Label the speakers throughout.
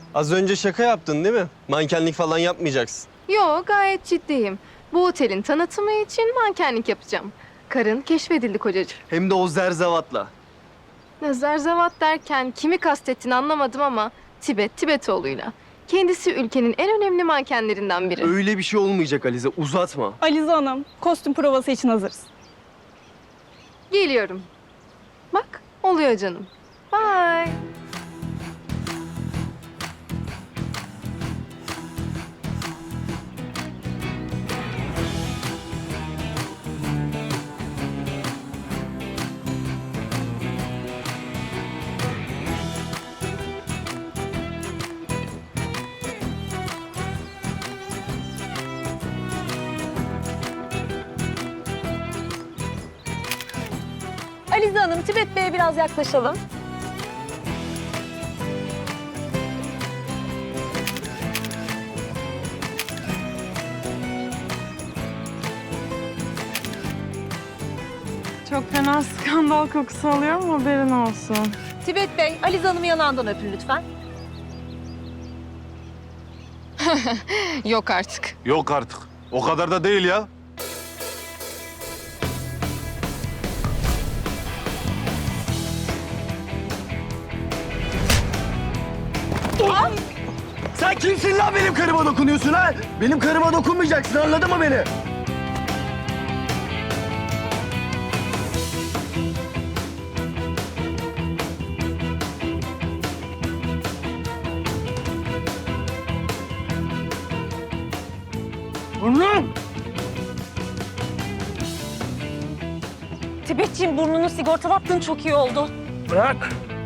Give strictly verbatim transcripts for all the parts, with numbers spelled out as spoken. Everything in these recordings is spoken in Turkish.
Speaker 1: Az önce şaka yaptın değil mi? Mankenlik falan yapmayacaksın.
Speaker 2: Yo, gayet ciddiyim. Bu otelin tanıtımı için mankenlik yapacağım. Karın keşfedildi kocacığım.
Speaker 1: Hem de o zerzavatla.
Speaker 2: Zerzevat derken kimi kastettiğini anlamadım ama Tibet, Tibetoğlu'yla. Kendisi ülkenin en önemli mankenlerinden biri.
Speaker 1: Öyle bir şey olmayacak Alize, uzatma.
Speaker 3: Alize Hanım, kostüm provası için hazırız.
Speaker 2: Geliyorum. Bak, oluyor canım. Bye.
Speaker 3: Alize Hanım, Tibet Bey'e biraz yaklaşalım.
Speaker 4: Çok fena skandal kokusu alıyorum, haberin olsun.
Speaker 3: Tibet Bey, Alize Hanım'ı yanağından öpün lütfen.
Speaker 2: Yok artık.
Speaker 5: Yok artık. O kadar da değil ya.
Speaker 1: Sen kimsin lan benim karıma dokunuyorsun ha? Benim karıma dokunmayacaksın, anladın mı beni? Burnum!
Speaker 3: Tibetciğim, burnunu sigortalattığın çok iyi oldu.
Speaker 1: Bırak!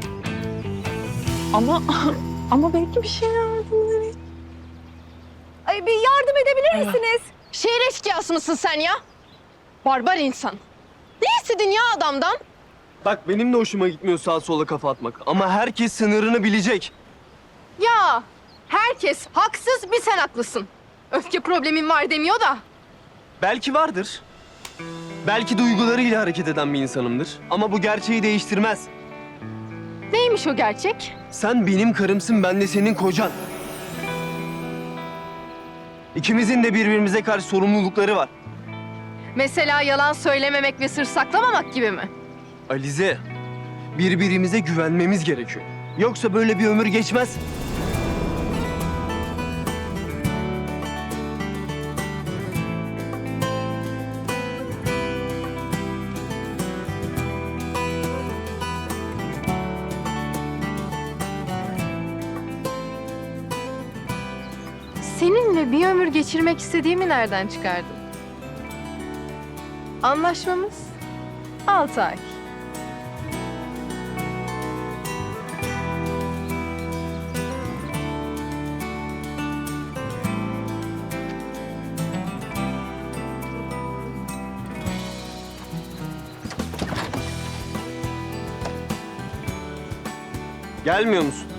Speaker 4: Ama ama belki bir şey yardım edeyim.
Speaker 3: Ay, bir yardım edebilir misiniz?
Speaker 2: Şehir eşkıyası mısın sen ya? Barbar insan. Ne istedin ya adamdan?
Speaker 1: Bak benim de hoşuma gitmiyor sağa sola kafa atmak. Ama herkes sınırını bilecek.
Speaker 2: Ya herkes haksız, bir sen haklısın. Öfke problemin var demiyor da.
Speaker 1: Belki vardır. Belki duygularıyla hareket eden bir insanımdır. Ama bu gerçeği değiştirmez.
Speaker 2: Neymiş o gerçek?
Speaker 1: Sen benim karımsın, ben de senin kocan. İkimizin de birbirimize karşı sorumlulukları var.
Speaker 2: Mesela yalan söylememek ve sır saklamamak gibi mi?
Speaker 1: Alize, birbirimize güvenmemiz gerekiyor. Yoksa böyle bir ömür geçmez.
Speaker 2: Seninle bir ömür geçirmek istediğimi nereden çıkardın? Anlaşmamız altı ay.
Speaker 1: Gelmiyor musun?